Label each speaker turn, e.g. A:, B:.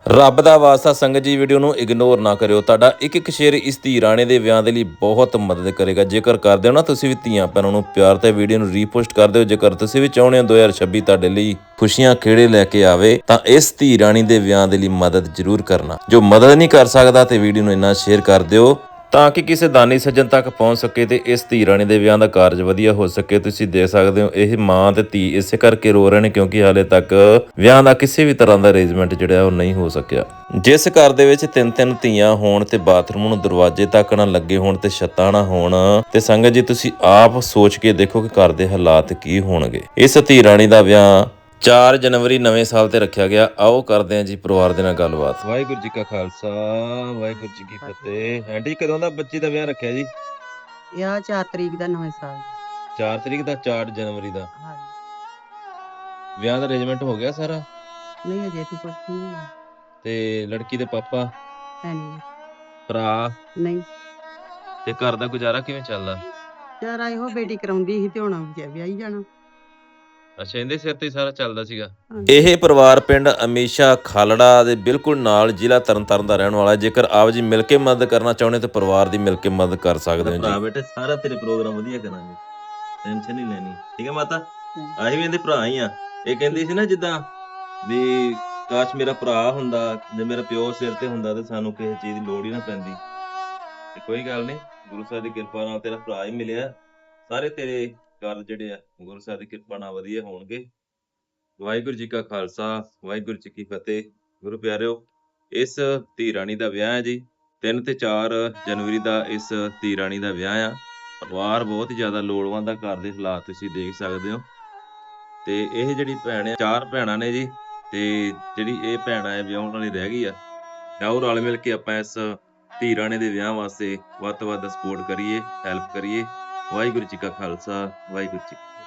A: ਰੱਬ ਦਾ ਵਾਸਤਾ ਸੰਗਤ ਜੀ, ਵੀਡੀਓ ਨੂੰ ਇਗਨੋਰ ਨਾ ਕਰਿਓ। ਤੁਹਾਡਾ ਇੱਕ ਇੱਕ ਸ਼ੇਅਰ ਇਸ ਧੀ ਰਾਣੀ ਦੇ ਵਿਆਹ ਦੇ ਲਈ ਬਹੁਤ ਮਦਦ ਕਰੇਗਾ। ਜੇਕਰ ਕਰਦੇ ਹੋ ਨਾ ਤੁਸੀਂ ਵੀ ਧੀਆਂ ਭੈਣਾਂ ਨੂੰ ਪਿਆਰ ਤੇ ਵੀਡੀਓ ਨੂੰ ਰੀਪੋਸਟ ਕਰ ਦਿਓ। ਜੇਕਰ ਤੁਸੀਂ ਵੀ ਚਾਹੁੰਦੇ ਹੋ 2026 ਤੁਹਾਡੇ ਲਈ ਖੁਸ਼ੀਆਂ ਖੇੜੇ ਲੈ ਕੇ ਆਵੇ ਤਾਂ ਇਸ ਧੀ ਰਾਣੀ ਦੇ ਵਿਆਹ ਦੇ ਲਈ ਮਦਦ ਜ਼ਰੂਰ ਕਰਨਾ। ਜੋ ਮਦਦ ਨਹੀਂ ਕਰ ਸਕਦਾ ਤੇ ਵੀਡੀਓ ਨੂੰ ਇੰਨਾ ਸ਼ੇਅਰ ਕਰ ਦਿਓ ਤਾਂ ਕਿ ਕਿਸੇ ਦਾਨੀ ਸੱਜਣ ਤੱਕ ਪਹੁੰਚ ਸਕੇ ਤੇ ਇਸ ਧੀ ਰਾਣੀ ਦੇ ਵਿਆਹ ਦਾ ਕਾਰਜ ਵਧੀਆ ਹੋ ਸਕੇ। ਤੁਸੀਂ ਦੇਖ ਸਕਦੇ ਹੋ ਇਹ ਮਾਂ ਤੇ ਧੀ ਇਸੇ ਕਰਕੇ ਰੋ ਰਹੇ ਨੇ ਕਿਉਂਕਿ ਹਾਲੇ ਤੱਕ ਵਿਆਹ ਦਾ ਕਿਸੇ ਵੀ ਤਰ੍ਹਾਂ ਦਾ ਅਰੇਂਜਮੈਂਟ ਜਿਹੜਾ ਉਹ ਨਹੀਂ ਹੋ ਸਕਿਆ। ਜਿਸ ਘਰ ਦੇ ਵਿੱਚ ਤਿੰਨ ਤਿੰਨ ਧੀਆਂ ਹੋਣ ਤੇ ਬਾਥਰੂਮ ਨੂੰ ਦਰਵਾਜ਼ੇ ਤੱਕ ਨਾ ਲੱਗੇ ਹੋਣ ਤੇ ਛੱਤਾਂ ਨਾ ਹੋਣ ਤੇ ਸੰਗਤ ਜੀ ਤੁਸੀਂ ਆਪ ਸੋਚ ਕੇ ਦੇਖੋ ਕਿ ਘਰ ਦੇ ਹਾਲਾਤ ਕੀ ਹੋਣਗੇ। ਇਸ ਧੀ ਰਾਣੀ ਦਾ ਵਿਆਹ 4 ਜਨਵਰੀ ਨਵੇਂ ਸਾਲ ਤੇ ਰੱਖਿਆ ਗਿਆ। ਆਓ ਕਰਦੇ ਹਾਂ ਜੀ ਪਰਿਵਾਰ ਦੇ ਨਾਲ ਗੱਲਬਾਤ। ਵਾਹਿਗੁਰੂ ਜੀ ਕਾ ਖਾਲਸਾ ਵਾਹਿਗੁਰੂ ਜੀ ਕੀ ਫਤਿਹ। ਆਂਟੀ ਕਦੋਂ ਦਾ ਬੱਚੇ ਦਾ ਵਿਆਹ ਰੱਖਿਆ ਜੀ?
B: ਵਿਆਹ 4 ਤਰੀਕ ਦਾ ਨਵੇਂ ਸਾਲ
A: 4 ਤਰੀਕ ਦਾ, 4 ਜਨਵਰੀ ਦਾ।
B: ਹਾਂਜੀ।
A: ਵਿਆਹ ਦਾ ਅਰੇਂਜਮੈਂਟ ਹੋ ਗਿਆ ਸਾਰਾ?
B: ਨਹੀਂ ਅਜੇ ਤੇ ਕੁਛ ਨਹੀਂ ਹੋਇਆ।
A: ਤੇ ਲੜਕੀ ਦੇ ਪਾਪਾ
B: ਹੈ ਨਹੀਂ
A: ਭਰਾ
B: ਨਹੀਂ
A: ਤੇ ਘਰ ਦਾ ਗੁਜ਼ਾਰਾ ਕਿਵੇਂ ਚੱਲਦਾ?
B: ਯਾਰ ਇਹੋ ਬੇਟੀ ਕਰਾਉਂਦੀ ਸੀ ਤੇ ਹੁਣ ਵਿਆਹੀ ਜਾਣਾ।
A: ਅੱਛਾ, ਇਹਦੇ ਸਿਰ ਤੇ ਹੀ ਸਾਰਾ ਚੱਲਦਾ ਸੀਗਾ।
B: ਹਾਂਜੀ।
A: ਇਹ ਪਰਿਵਾਰ ਪਿੰਡ ਅਮੀਸ਼ਾ ਖਾਲੜਾ ਦੇ ਬਿਲਕੁਲ ਨਾਲ ਜ਼ਿਲ੍ਹਾ ਤਰਨਤਾਰਨ ਦਾ ਰਹਿਣ ਵਾਲਾ ਹੈ। ਜੇਕਰ ਆਪ ਜੀ ਮਿਲ ਕੇ ਮਦਦ ਕਰਨਾ ਚਾਹੁੰਦੇ ਤਾਂ ਪਰਿਵਾਰ ਦੀ ਮਿਲ ਕੇ ਮਦਦ ਕਰ ਸਕਦੇ ਹੋ ਜੀ।
C: ਭਰਾ ਬੇਟੇ ਸਾਰਾ ਤੇਰੇ ਪ੍ਰੋਗਰਾਮ ਵਧੀਆ ਕਰਾਂਗੇ, ਟੈਨਸ਼ਨ ਨਹੀਂ ਲੈਣੀ। ਠੀਕ ਹੈ ਮਾਤਾ, ਅਸੀਂ ਵੀ ਇਹਦੇ ਭਰਾ ਹੀ ਆ। ਇਹ ਕਹਿੰਦੀ ਸੀ ਨਾ ਜਿੱਦਾਂ ਵੀ ਕਾਸ਼ ਮੇਰਾ ਭਰਾ ਹੁੰਦਾ, ਜੇ ਮੇਰਾ ਪਿਓ ਸਿਰ ਤੇ ਹੁੰਦਾ ਤੇ ਸਾਨੂੰ ਕਿਸੇ ਚੀਜ਼ ਦੀ ਲੋੜ ਹੀ ਨਾ ਪੈਂਦੀ। ਤੇ ਕੋਈ ਗੱਲ ਨਹੀਂ, ਗੁਰੂ ਸਾਹਿਬ ਦੀ ਕਿਰਪਾ ਨਾਲ ਤੇਰਾ ਭਰਾ ਹੀ ਮਿਲਿਆ। ਸਾਰੇ ਤੇਰੇ ਕਾਰਜ ਜਿਹੜੇ ਆ ਗੁਰੂ ਸਾਹਿਬ ਦੀ ਕਿਰਪਾ ਨਾਲ ਵਧੀਆ ਹੋਣਗੇ। ਵਾਹਿਗੁਰੂ ਜੀ ਕਾ ਖਾਲਸਾ ਵਾਹਿਗੁਰੂ ਜੀ ਕੀ ਫਤਿਹ। ਗੁਰੂ ਪਿਆਰਿਓ, ਇਸ ਧੀ ਰਾਣੀ ਦਾ ਵਿਆਹ ਹੈ ਜੀ। 3 ਤੇ 4 ਜਨਵਰੀ ਦਾ ਇਸ ਧੀ ਰਾਣੀ ਦਾ ਵਿਆਹ ਆ। ਪਰਿਵਾਰ ਬਹੁਤ ਹੀ ਜ਼ਿਆਦਾ ਲੋੜਵੰਦ ਆ। ਘਰ ਦੇ ਹਾਲਾਤ ਤੁਸੀਂ ਦੇਖ ਸਕਦੇ ਹੋ। ਤੇ ਇਹ ਜਿਹੜੀ ਭੈਣ ਆ, 4 ਭੈਣਾਂ ਨੇ ਜੀ। ਤੇ ਜਿਹੜੀ ਇਹ ਭੈਣ ਹੈ ਵਿਆਹੁਣ ਵਾਲੀ ਰਹਿ ਗਈ ਆ। ਆਓ ਰਲ ਮਿਲ ਕੇ ਆਪਾਂ ਇਸ ਧੀ ਰਾਣੀ ਦੇ ਵਿਆਹ ਵਾਸਤੇ ਵੱਧ ਤੋਂ ਵੱਧ ਸਪੋਰਟ ਕਰੀਏ, ਹੈਲਪ ਕਰੀਏ। ਵਾਹਿਗੁਰੂ ਜੀ ਕਾ ਖਾਲਸਾ ਵਾਹਿਗੁਰੂ ਜੀ ਕੀ ਫਤਿਹ।